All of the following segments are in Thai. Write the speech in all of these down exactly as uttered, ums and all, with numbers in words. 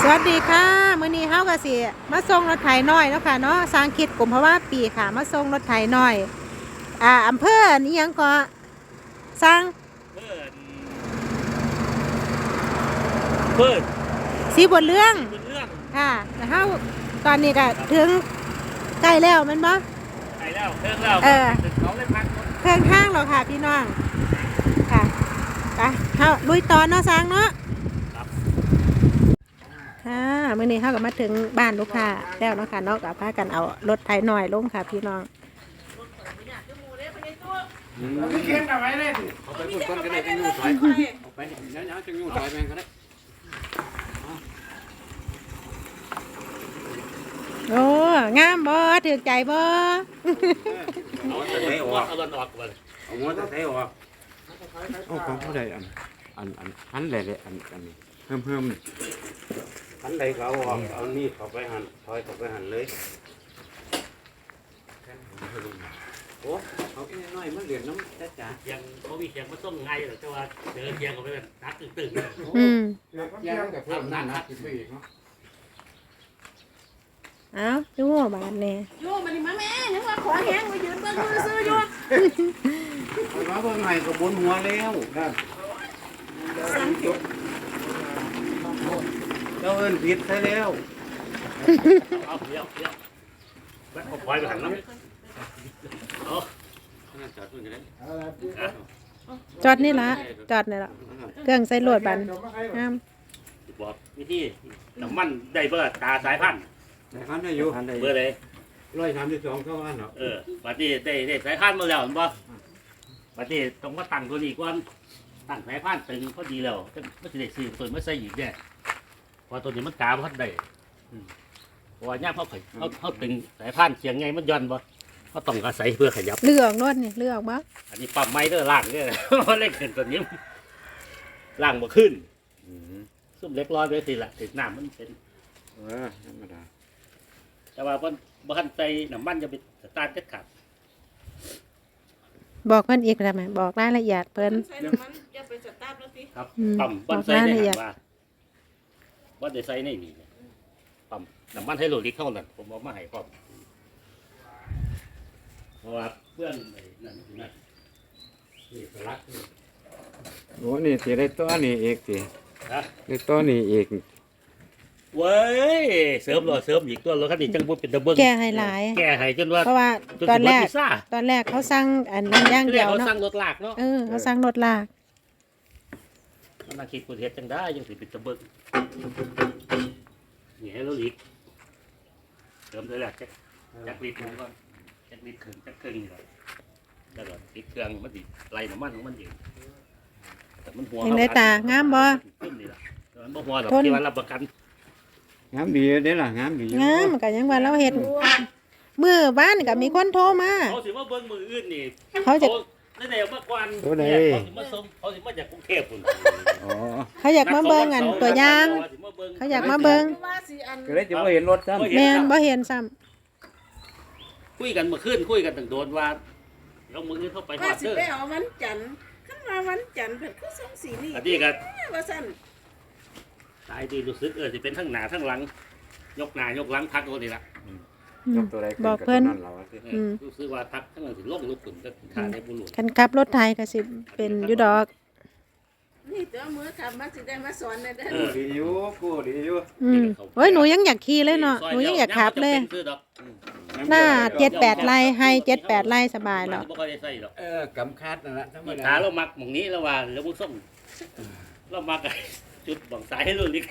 วัสดีค่ะมื้อนี้เฮาก็สิมาส่งรถไถน้อยเนาะค่ะเนาะสร้างคิดกลุ่มเพราะว่าปีค่ะมาส่งรถไถน้อยอ่าอำเภอนี่หยังก็สร้างเพิ่นเพิ่นสีบนเรื่องเป็นเรื่องค่ะแล้วเฮาตอนนี้ก็ถึงใกล้แล้วแม่นบ่ไปแล้วเครื่องแล้วเออถึงเขาเลยพักรถเครื่องทางแล้วค่ะพี่น้องค่ะไปเฮาลุยต่อเนาะสร้างเนาะครับค่ะมื้อนี้เฮาก็มาถึงบ้านลูกค้าแล้วเนาะค่ะเนาะก็พากันเอารถไถน้อยลงค่ะพี่น้องเอาไปเขียนเอาไว้เลยดิเอาไปพูดคนก็ได้จังยูถอยเอาไปเดี๋ยวๆจังยูถอยไปก็ได้โอ้งามบ่ถูกใจบ่เอาแต่ไหนออกเอามันออกก่อนเอาหัวตะไคร้ออกเอาของผู้ใดอันอันอันอันใดเลยอันอันเพิ่มเพิ่มอันใดเขาออกเอานี่เข้าไปหั่นถอยเข้าไปหั่นเลยโอ้เอาแค่น้อยมันเหลือน้ำจ้าจ๋ายังเขามีเสียงมาส่งไงหรอแต่ว่าเจอเสียงเขาไปแบบนักตึงๆอืมยังกับเพิ่มน้ำหนักขึ้นไปอีกเนาะเอ้าดูบาดแน่โย่มาดิมาแม่นึกว่าขอแห้งมายืนเบิ่งมือซื้ออยู่เอามาเบิ่งให้ก็บนหัวแล้วครับเจ้าเอิ้นผิดซะแล้วเอาเดี๋ยวเดี๋ยวแม่ผมปล่อยไปหันน้ำเอาจอดตรงนี้เลยจอดนี่ละจอดนี่ละเครื่องใส่รถบันงามบอกวิธีน้ำมันได้เบอร์ตาสายพันธุ์สายพันธุ์ได้อยู่เบอร์เลยร้อยสามสิบสองเท่านั้นเหรอเออบัดนี้ได้ได้สายพันธุ์มาแล้วบ่บัดนี้ต้องมาตั้งตัวนี้ก่อนตั้งสายพันธุ์ตึงพอดีแล้วไม่จะได้ซื้อตัวไม่ใส่อีกแน่พอตัวนี้มันกาพัดได้เพราะว่าย่าเขาเขาเขาตึงสายพันธุ์เสียงไงมันย้อนบ่เขาต้องอาศัยเพื่อขยับเลือกนวดนี่เลือกบ่อันนี้ปั๊มไม้เด้อล่างเด้อเล็กขึ้นตัวนี้ล่างบ่ขึ้นซุ่มเล็กร้อยไปสิละถึงน้ำมันเป็นเออธรรมดาแต่ว่าบ่บ่ทันใส่น้ำมันจะไปสตาร์ทเด็ดขาดบอกเพิ่นอีกได้ไหมบอกรายละเอียดเพิ่นใส่น้ำมันอย่าไปสตาร์ทแล้วสิครับปั๊มบ่ใส่ในหันว่าบ่ได้ใส่ในนี่ปั๊มน้ำมันให้โลลิตเท่านั้นผมเอามาให้พร้อมเพราะว่าเพื่อนนั่นนั่นนี่สลักโอ้นี่สิได้ตัวนี้อีกสิฮะได้ตัวนี้อีกเว้ยเสริมรอเสริมอีกตัวรถคันนี้จังบ่เป็นตะเบิ่งแก้ให้หลายแก้ให้จนว่าเพราะว่าตอนแรกตอนแรกเขาสั่งอันนั้นอย่างเดียวเนาะเขาสั่งรถลากเนาะเออเขาสั่งรถลากมันน่าคิดกูเฮ็ดจังได้ยังสิเป็นตะเบิ่งนี่ให้เราอีกเสริมเลยแหละจักจักลิตรก่อนจักลิตรครึ่งจักครึ่งนี่แหละแล้วก็ติดเครื่องมันสิไหลน้ำมันของมันเองแต่มันหัวเห็นได้ตางามบ่นี่ล่ะมันบ่หัวดอกที่ว่ารับประกันงามดีเด้ล่ะงามดีงามก็ยังว่าเราเฮ็ดมื้อบ้านก็มีคนโทรมาเขาสิมาเบิ่งมื้ออื่นนี่เขาจะได้ได้มาก่อนเขาสิมาส่งเขาสิมาจากกรุงเทพพุ่นอ๋อเขาอยากมาเบิ่งอันตัวอย่างเขาอยากมาเบิ่งก็เลยจะบ่เห็นรถซ้ำแม่นบ่เห็นซ้ำคุยกันเมื่อคืนคุยกันตั้งโดนว่าเรามื้ออื่นเข้าไปฮอดเด้อว่าสิไปเอาวันจันทร์คันว่าวันจันทร์เพิ่นคือส่งสีนี่อันนี้ก็ว่าซั่นตายดีรู้สึกเออสิเป็นทั้งหน้าทั้งหลังยกหน้ายกหลังทักตัวนี้ล่ะยกตัวใดบอกเพิ่นรู้สึกว่าทักทั้งนั้นสิลงลุกขึ้นก็ขาได้บ่รู้คันขับรถไถก็สิเป็นอยู่ดอกนี่ตัวมือขับมาสิได้มาสอนได้เด้อดีอยู่กูดีอยู่อืมโอ้ยหนูยังอยากขี่เลยเนาะหนูยังอยากขับเลยหน้าเจ็ดแปดไร่ให้เจ็ดแปดไร่สบายแล้วเออกำคาดนั่นแหละขาเรามักหม่องนี้แล้วว่าแล้วมึงส่งเรามักจุดบังสายให้รุ่นนี้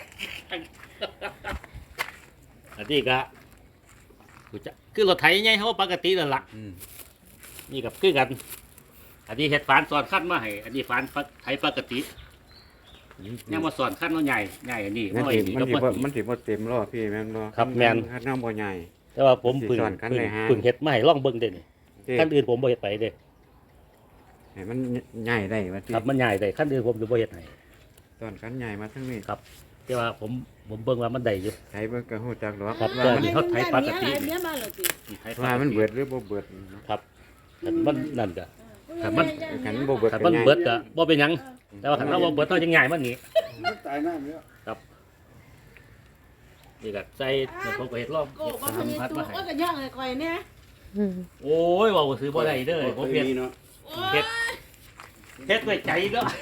อันนี้ก็คือรถไถไงเขาปกตินั่นแหละนี่กับคือกันอันนี้เห็ดฝานสอนขั้นมาให้อันนี้ฝานไถปกติยังมาสอนขั้นว่าใหญ่ใหญ่อันนี้มันถือมันถือมันถือว่าเต็มรอบพี่แม่นบ่ครับแมนขั้นน้ำบ่ใหญ่แต่ว่าผมพึ่งพึ่งเห็ดไม่ล่องเบิ้งเด่นขั้นอื่นผมบ่เห็ดไปเด้ให้มันใหญ่ได้ว่าครับมันใหญ่ได้ขั้นอื่นผมจะบ่เห็ดให้ตอนขั้นใหญ่มาทั้งนี้ครับแต่ว่าผมผมเบิ้งว่ามันได้อยู่ไถเบิ้งกระหูจักหรอครับว่าเขาไถปกติว่ามันเบิดหรือบ่เบิดครับมันนั่นก็ขันมันขันบ่เบิดขันมันเบิดก็บ่เป็นหยังแต่ว่าขันเราบ่เบิดต้องยังใหญ่มันนี่ตายน้ำเยอะครับนี่ก็ใส่ผมก็เฮ็ดรอบโก้เฮ็ดบ่พทำญิพัดตูมาให้ก็ก็ย่องให้ข่อยเนี่ยอืมโอ้ยเว้าซื้อบ่ได้เด้อผมเฮ็ดเนาะโอ้เฮ็ยด เฮ็ดด้วยใจเนาะ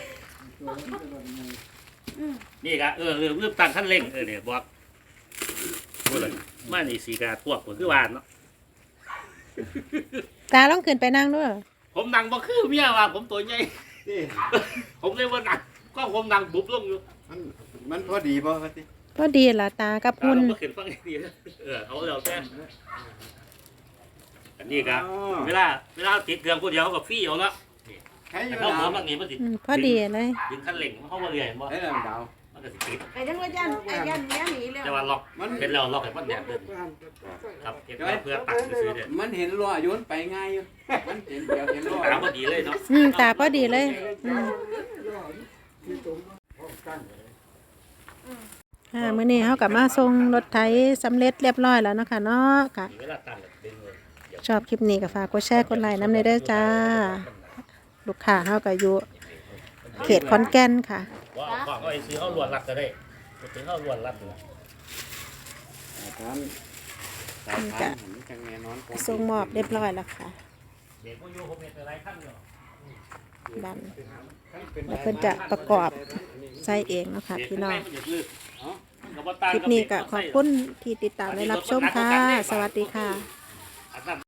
นี่ก็เออลืมลืมตั้งคันเร่งเออเนี่ยบอกบ่เลยมานี่สีกาพวกก็คือว่าเนาะตาลองขึ้นไปนั่งด้วยผมนั่งบ่คือเมียว่าผมตัวใหญ่นี่ผมเลยว่านั่งก็ผมนั่งบุบลงอยู่มันมันพอดีบ่ว่าติก็ดีล่ะตากับตาหุ่นเราบ่ขึ้นฟังดีเออเอาแล้วแต่อันนี้ก็เวลาเวลาติดเครื่องผู้เดียวเขาก็ฟรีเอาเนาะใครอแต่ยู่เขาดาหัววมันนี่มันสิอืมพอดีเลยดึงคันเร่งเขาบ่เรื่อยบ่ใครน่ะดาวมันก็สิติดไอ้จังว่ายันไอ้ยันเนี้ยหนีแล้วแต่ว่าล็อกมันเป็นแล้วล็อกให้มันแดดเดินครับเก็บไว้เพื่อตัดซื้อๆเนี่ยมันเห็นล้อโยนไปง่ายอยู่มันเห็นเดียวเห็นล้อตาพอดีเลยเนาะอืมตาพอดีเลยอืมอ่ามื้อนี้เฮาก็มาส่งรถไถสำเร็จเรียบร้อยแล้วเนาะค่ะเนาะค่ะเวลาตั้งดึงเลยชอบคลิปนี้ก็ฝากกดแชร์กดไลค์น้ำในเด้อจ้า ลูกค้าเฮาก็อยู่เขตขอนแก่นค่ะว่าเอาของเอาไปซื้อเขาลวนรัดก็ได้ซื้อเขาลวนรัดเลยทานสายทานมันจังแน่นอนส่งมอบเรียบร้อยแล้วค่ะเด็กก็อยู่ผมเห็นอะไรขั้นเนาะดันแล้วเพิ่นจะประกอบใส่เองเนาะค่ะพี่น้อง คลิปนี้ก็ขอบคุณที่ติดตามและรับชมค่ะ สวัสดีค่ะ